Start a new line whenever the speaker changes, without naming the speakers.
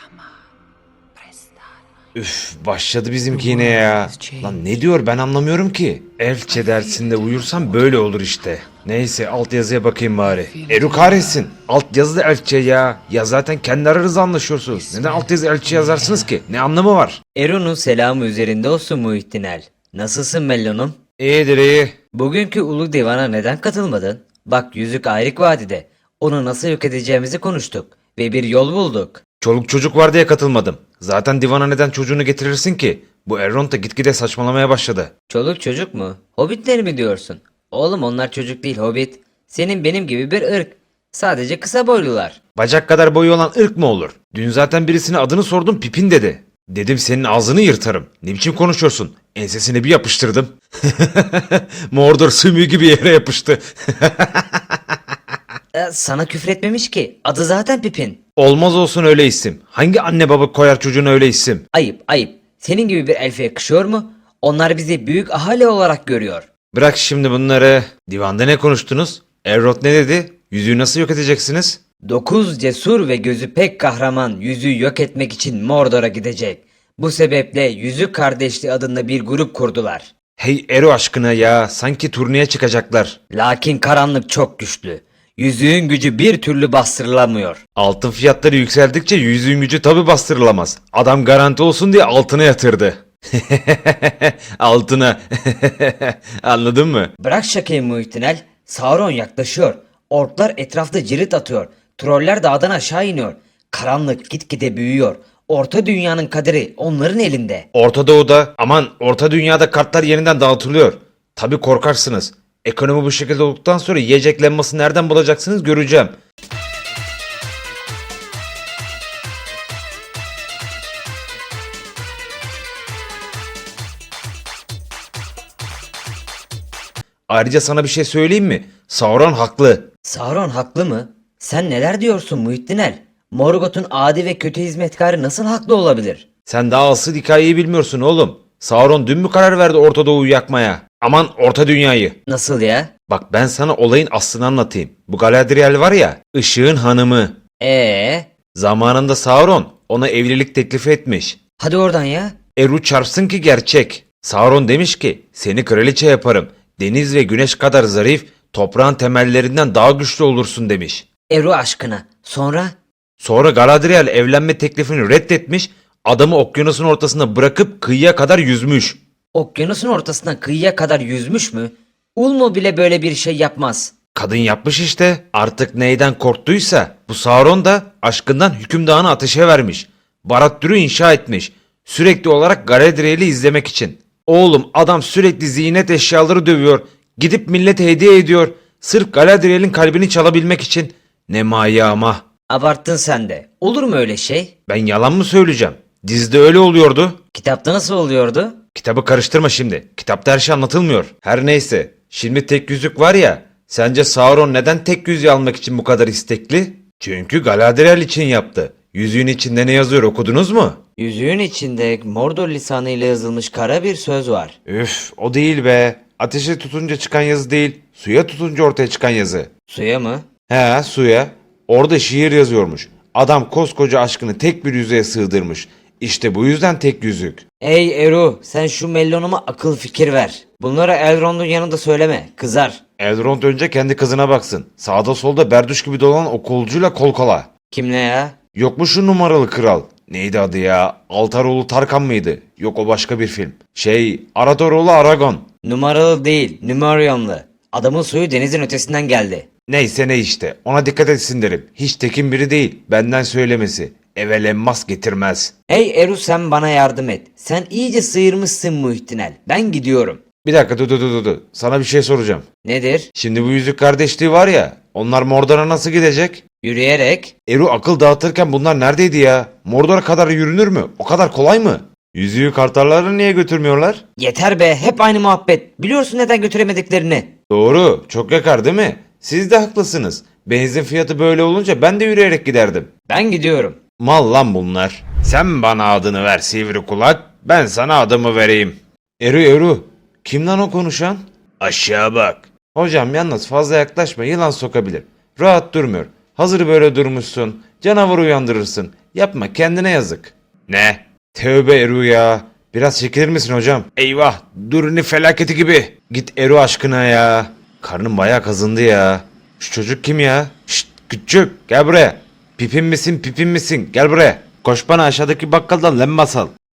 Üf, başladı bizimki yine ya. Lan ne diyor ben anlamıyorum ki. Elfçe dersinde uyursam böyle olur işte. Neyse altyazıya bakayım bari. Eru kahretsin. Altyazı da Elfçe ya. Ya zaten kendi aranızda anlaşıyorsunuz. Neden altyazı Elfçe yazarsınız ki? Ne anlamı var?
Eru'nun selamı üzerinde olsun Muhittinel. Nasılsın Mellon'um?
İyidir iyi.
Bugünkü Ulu Divan'a neden katılmadın? Bak Yüzük Ayrık Vadide. Onu nasıl yok edeceğimizi konuştuk ve bir yol bulduk.
Çoluk çocuk var diye katılmadım. Zaten divana neden çocuğunu getirirsin ki? Bu Elrond da gitgide saçmalamaya başladı.
Çoluk çocuk mu? Hobbitler mi diyorsun? Oğlum onlar çocuk değil Hobbit. Senin benim gibi bir ırk. Sadece kısa boylular.
Bacak kadar boyu olan ırk mı olur? Dün zaten birisine adını sordum Pipin dedi. Dedim senin ağzını yırtarım. Ne biçim konuşuyorsun? Ensesine bir yapıştırdım. Mordor sümüğü gibi yere yapıştı.
Sana küfretmemiş ki. Adı zaten Pipin.
Olmaz olsun öyle isim. Hangi anne baba koyar çocuğuna öyle isim?
Ayıp ayıp. Senin gibi bir elfe yakışıyor mu? Onlar bizi büyük ahali olarak görüyor.
Bırak şimdi bunları. Divanda ne konuştunuz? Elrond ne dedi? Yüzüğü nasıl yok edeceksiniz?
9 cesur ve gözü pek kahraman yüzüğü yok etmek için Mordor'a gidecek. Bu sebeple Yüzük Kardeşliği adında bir grup kurdular.
Hey Eru aşkına ya. Sanki turneye çıkacaklar.
Lakin karanlık çok güçlü. Yüzüğün gücü bir türlü bastırılamıyor.
Altın fiyatları yükseldikçe yüzüğün gücü tabi bastırılamaz. Adam garanti olsun diye altına yatırdı. Altına. Anladın mı?
Bırak şakayı Muhittinel. Sauron yaklaşıyor. Orklar etrafta cirit atıyor. Troller dağdan aşağı iniyor. Karanlık gitgide büyüyor. Orta dünyanın kaderi onların elinde.
Orta Doğu'da aman Orta Dünya'da kartlar yeniden dağıtılıyor. Tabi korkarsınız. Ekonomi bu şekilde olduktan sonra yiyecek lemması nereden bulacaksınız göreceğim. Ayrıca sana bir şey söyleyeyim mi? Sauron haklı.
Sauron haklı mı? Sen neler diyorsun Muhittinel? Morgoth'un adi ve kötü hizmetkarı nasıl haklı olabilir?
Sen daha asıl hikayeyi bilmiyorsun oğlum. Sauron dün mü karar verdi Orta Doğu'yu yakmaya? Aman Orta Dünya'yı.
Nasıl ya?
Bak ben sana olayın aslını anlatayım. Bu Galadriel var ya, Işığın hanımı. Zamanında Sauron ona evlilik teklifi etmiş.
Hadi oradan ya.
Eru çarpsın ki gerçek. Sauron demiş ki seni kraliçe yaparım. Deniz ve güneş kadar zarif, toprağın temellerinden daha güçlü olursun demiş.
Eru aşkına. Sonra?
Sonra Galadriel evlenme teklifini reddetmiş, adamı okyanusun ortasına bırakıp kıyıya kadar yüzmüş.
Okyanusun ortasından kıyıya kadar yüzmüş mü? Ulmo bile böyle bir şey yapmaz.
Kadın yapmış işte. Artık neyden korktuysa bu Sauron da aşkından hükümdarını ateşe vermiş. Barad-dûr'ü inşa etmiş. Sürekli olarak Galadriel'i izlemek için. Oğlum adam sürekli ziynet eşyaları dövüyor. Gidip millete hediye ediyor. Sırf Galadriel'in kalbini çalabilmek için. Ne maya ama.
Abarttın sen de. Olur mu öyle şey?
Ben yalan mı söyleyeceğim? Dizide öyle oluyordu.
Kitapta nasıl oluyordu?
Kitabı karıştırma şimdi. Kitapta her şey anlatılmıyor. Her neyse. Şimdi tek yüzük var ya. Sence Sauron neden tek yüzüğü almak için bu kadar istekli? Çünkü Galadriel için yaptı. Yüzüğün içinde ne yazıyor okudunuz mu?
Yüzüğün içinde Mordor lisanıyla yazılmış kara bir söz var.
Üf o değil be. Ateşe tutunca çıkan yazı değil. Suya tutunca ortaya çıkan yazı.
Suya mı?
He suya. Orada şiir yazıyormuş. Adam koskoca aşkını tek bir yüzüğe sığdırmış. İşte bu yüzden tek yüzük.
Ey Eru, sen şu Mellon'uma akıl fikir ver. Bunları Elrond'un yanında söyleme, kızar.
Elrond önce kendi kızına baksın. Sağda solda berduş gibi dolanan o kolcuyla kol kola.
Kimle ya?
Yok mu şu numaralı kral? Neydi adı ya? Altaroğlu Tarkan mıydı? Yok o başka bir film. Aradoroğlu Aragon.
Numaralı değil, Numerianlı. Adamın suyu denizin ötesinden geldi.
Neyse ne işte. Ona dikkat etsin derim. Hiç tekin biri değil. Benden söylemesi. Evelenmaz getirmez.
Hey Eru sen bana yardım et. Sen iyice sıyırmışsın Muhittinel. Ben gidiyorum.
Bir dakika dur. Sana bir şey soracağım.
Nedir?
Şimdi bu yüzük kardeşliği var ya. Onlar Mordor'a nasıl gidecek?
Yürüyerek.
Eru akıl dağıtırken bunlar neredeydi ya? Mordor'a kadar yürünür mü? O kadar kolay mı? Yüzüğü kartalları niye götürmüyorlar?
Yeter be, hep aynı muhabbet. Biliyorsun neden götüremediklerini.
Doğru. Çok yakar değil mi? Siz de haklısınız. Benzin fiyatı böyle olunca ben de yürüyerek giderdim.
Ben gidiyorum.
Mal lan bunlar. Sen bana adını ver sivri kulak. Ben sana adımı vereyim. Eru. Kim lan o konuşan? Aşağı bak. Hocam yalnız fazla yaklaşma yılan sokabilir. Rahat durmuyor. Hazır böyle durmuşsun. Canavarı uyandırırsın. Yapma, kendine yazık. Ne? Tövbe Eru ya. Biraz çekilir misin hocam? Eyvah, Durini felaketi gibi. Git Eru aşkına ya. Karnım bayağı kazındı ya. Şu çocuk kim ya? Şşt küçük, gel buraya. Pipin misin, pipin misin? Gel buraya. Koş bana aşağıdaki bakkaldan lem masal.